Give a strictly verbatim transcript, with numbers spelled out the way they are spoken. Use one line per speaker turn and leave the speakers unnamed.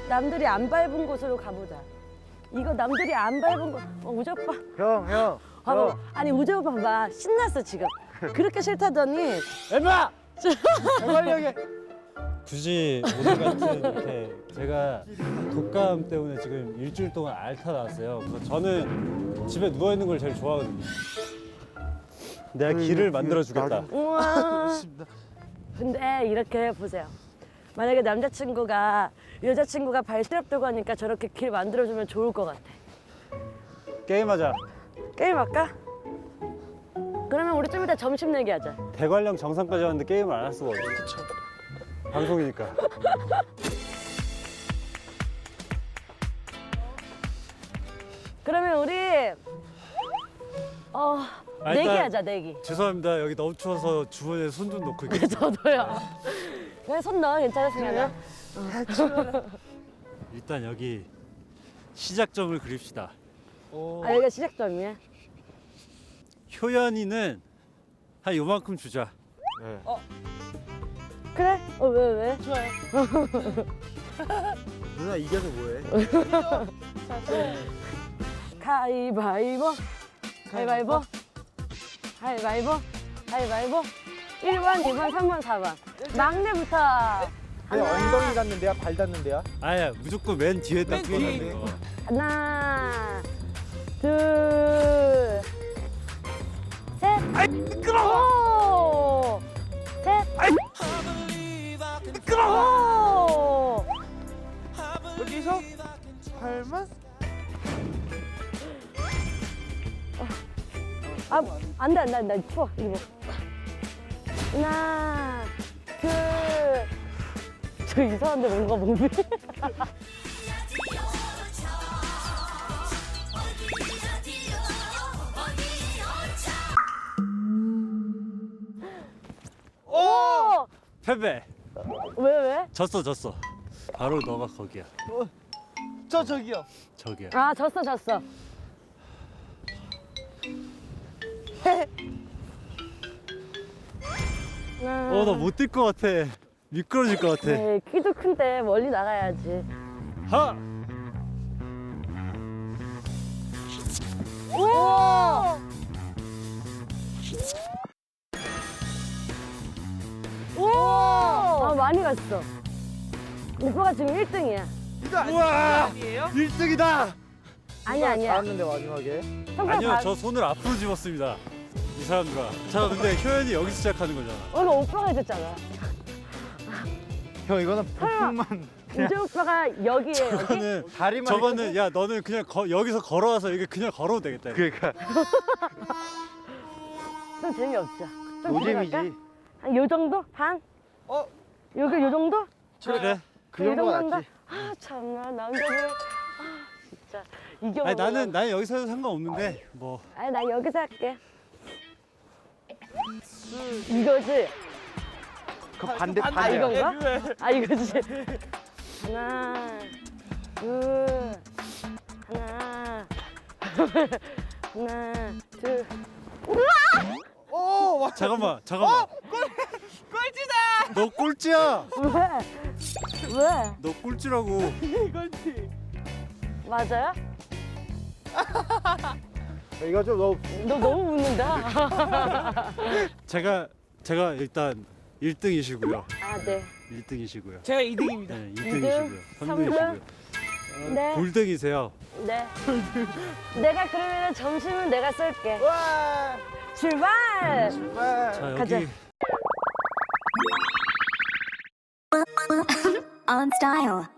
남들이 안 밟은 곳으로 가보자. 이거 남들이 안 밟은 곳. 어, 우재 오빠.
형, 형.
봐봐.
형.
아니 우재 오빠 봐봐. 신났어 지금. 그렇게 싫다더니.
엠마! 대관령에.
굳이 오늘 같은 이렇게 제가 독감 때문에 지금 일주일 동안 앓다 나왔어요. 그래서 저는 집에 누워 있는 걸 제일 좋아하거든요. 내가 길을 만들어 주겠다.
우와. 근데 이렇게 보세요. 만약에 남자친구가 여자친구가 발스럽 들고 하니까 저렇게 길 만들어주면 좋을 것 같아.
게임하자.
게임 할까? 그러면 우리 좀 이따 점심 내기 하자.
대관령 정상까지 왔는데 게임을 안 할 수가 없어. 방송이니까.
그러면 우리 어
아,
내기
일단-
하자 내기.
죄송합니다. 여기 너무 추워서 주머니에 손 좀 놓고
네,
있겠습니다.
저도요. 그냥 손 넣어 괜찮으시면은.
일단 여기 시작점을 그립시다.
아 여기가 시작점이야.
효연이는 한 요만큼 주자.
네.
그래? 어 왜 왜?
좋아요.
누나 이겨서 뭐해?
가위바위보. 가위바위보. 가위바위보. 가위바위보. 일 번, 이 번, 삼 번, 사 번. 막내부터.
그냥 엉덩이 닿는데야? 발 닿는데야?
아야 무조건 맨 뒤에 딱
맨 뒤에
끼워놓는 거.
하나, 둘, 셋. 아이, 미끄러워! 셋. 아이, 미끄러워!
여기서 발만?
아, 안 돼, 안 돼, 안 돼. 추워, 이거. 하나, 둘. 저 이상한데 뭔가 몸이. 오!
패배.
왜, 왜?
졌어 졌어. 바로 너가 거기야.
저 저기요.
저기야.
아, 졌어, 졌어.
어 나 못 뛸 것 같아. 미끄러질 것 같아.
네, 키도 큰데 멀리 나가야지.
하.
오! 오! 아, 많이 갔어. 오빠가 지금 일 등이야.
이거 아니-
우와.
아니에요?
일 등이다.
아니야, 아니야.
닿았는데 마지막에.
손가락
아니요
다-
저 손을 앞으로 집었습니다. 이 사람들아. 자 근데 효연이 여기서 시작하는 거잖아.
어, 이거 오빠가 해줬잖아.
형 이거는
설마.
폭풍만
우재 오빠가 여기에 여기?
저거는
다리만.
저거는 야 너는 그냥 거, 여기서 걸어와서 이게 그냥 걸어도 되겠다. 이거.
그러니까
좀 재미없죠? 좀
노잼이지.
들어갈까? 한 요 정도? 반?
어?
여기 요 정도?
그래.
그
이
정도가
정도인가?
낫지.
아 참나 남자들 아 진짜 이겨.
아니 나는 나는 여기서 해도 상관없는데 뭐
아니 난 여기서 할게. 이거지?
그 반대
아,
아
반대.
이건가?
왜?
아 이거지? 하나, 둘, 하나, 하나, 둘.
오, 와.
잠깐만 잠깐만.
꼴찌다.
너 꼴찌야.
왜? 왜?
너 꼴찌라고.
이건지.
맞아요?
이거 좀 너무.
너 너무 웃는다.
제가 제가 일단 일 등이시고요.
아 네.
일 등이시고요.
제가 이 등입니다.
네, 이
등,
등이시고요.
삼
삼
등.
등이시고요.
네.
골등이세요.
네. 내가 그러면 점심은 내가 쏠게.
와.
출발!
와.
자 여기
가자.
on style.